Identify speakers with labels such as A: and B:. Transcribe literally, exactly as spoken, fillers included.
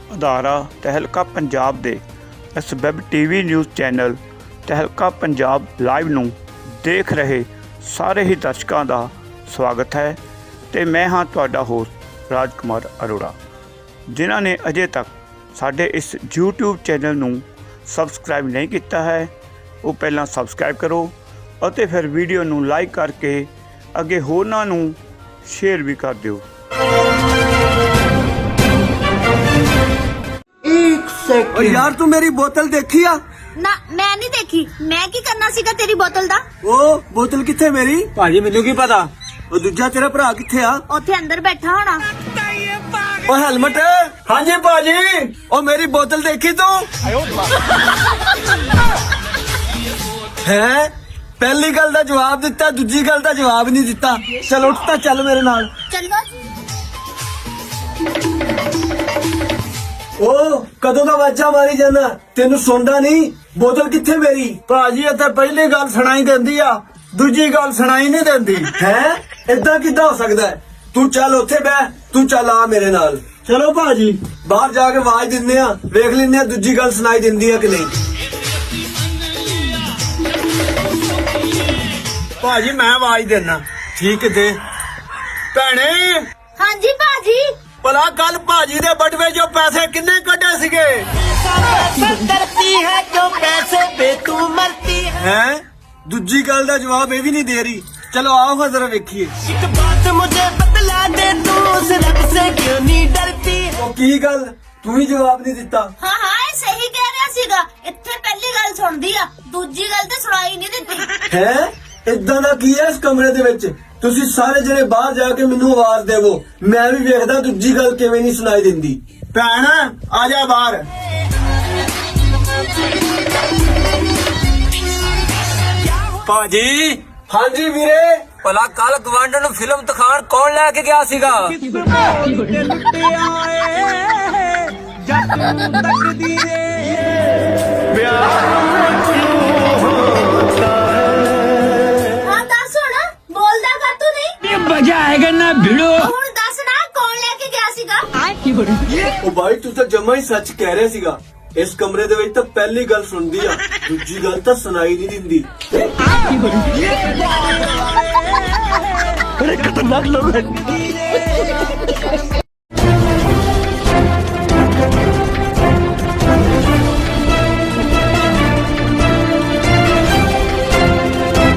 A: ਅਦਾਰਾ ਤਹਿਲਕਾ ਪੰਜਾਬ ਦੇ ਇਸ web TV news channel Tehelka Punjab live ਨੂੰ ਦੇਖ ਰਹੇ ਸਾਰੇ ਹੀ ਦਰਸ਼ਕਾਂ ਦਾ ਸਵਾਗਤ ਹੈ ਤੇ ਮੈਂ ਹਾਂ ਤੁਹਾਡਾ ਹੋਸਟ ਰਾਜ ਕੁਮਾਰ ਅਰੋੜਾ। ਜਿਨ੍ਹਾਂ ਨੇ ਅਜੇ ਤੱਕ ਸਾਡੇ ਇਸ YouTube ਚੈਨਲ ਨੂੰ ਸਬਸਕ੍ਰਾਈਬ ਨਹੀਂ ਕੀਤਾ ਹੈ ਉਹ ਪਹਿਲਾਂ ਸਬਸਕ੍ਰਾਈਬ ਕਰੋ ਅਤੇ ਫਿਰ ਵੀਡੀਓ ਨੂੰ ਲਾਈਕ ਕਰਕੇ ਅੱਗੇ ਹੋਰਾਂ ਨੂੰ शेयर भी कर दो।
B: एक सेकंड और यार तू मेरी बोतल देखी आ?
C: ना मैं नहीं देखी। मैं की करना सीगा तेरी बोतल दा?
B: ओ बोतल किथे मेरी? भाजी मेनू की पता। ओ दूजा तेरा भरा किथे आ?
C: ओथे अंदर बैठा होना।
B: ओ हेलमेट। हाँ जी भाजी। ओ मेरी बोतल देखी तू? हैं? पहली गल दा जवाब दिता, दूजी गल दा जवाब नहीं दिता। चल उठ ता चल मेरे नाल।
C: चलो।
B: ओ कदों दा वाजा मारी जाना, तेनू सुनदा नहीं? बोतल किथे मेरी? भाजी इत्थे पहली गल सुनाई देंदी आ, दूजी गल सुनाई नहीं देंदी। हैं? इदां किदां हो सकदा है? तू चल उत्थे बैठ, तू चल आ मेरे नाल। चलो भाजी बाहर जाके आवाज दिंदे आ, वेख लैंदे आ दूजी गल सुनाई देंदी है कि नहीं। भाजी मैं आवाज देना। ठीक दे भैने।
C: हाँ जी भाजी।
B: भला कल भाजी दे बटवे जो पैसे किन्ने कटे सिगे?
D: करती है जो पैसे पे तू मरती है।
B: हैं? दूजी गल दा जवाब ये भी नहीं दे रही। चलो आओ हाँ जरा वेखिए।
D: एक बात मुझे बतला दे तू उस रब से क्यों नहीं डरती है?
B: ओ की गल तू ही जवाब नहीं दिता।
C: हाँ हाँ ये सही कह रहा सीगा। इत्थे पहली गल सुनदी आ, दूजी गल ते सुनाई नहीं दित्ती।
B: हैं? इदां दा की है इस कमरे दे विच? तुसी सारे जने बाहर जाके मैनू आवाज देवो, मैं भी वेखदा दूजी गल किवें नहीं सुनाई दिंदी। भैन आ जा बाहर।
E: भाजी।
B: हाँ जी वीरे।
E: भला कल गवांडर ਨੂੰ ਫਿਲਮ ਦਿਖਾਣ ਕੌਣ ਲੈ ਕੇ ਗਿਆ ਸੀਗਾ?
C: हाँ दस हुण बोलदा कर तू नहीं।
E: ਇਹ ਮਜ਼ਾ ਆਏਗਾ ਨਾ ਭਿੜੋ।
C: हुण दस ना कौन लेके गया सीगा?
B: ओ भाई तू तो जमा ही सच कह रहा सीगा। इस कमरे दे विच तां पहली गल सुनदी आ, दूजी गल तां सुनाई नहीं दिंदी। बड़े खतरनाक लोग हैं।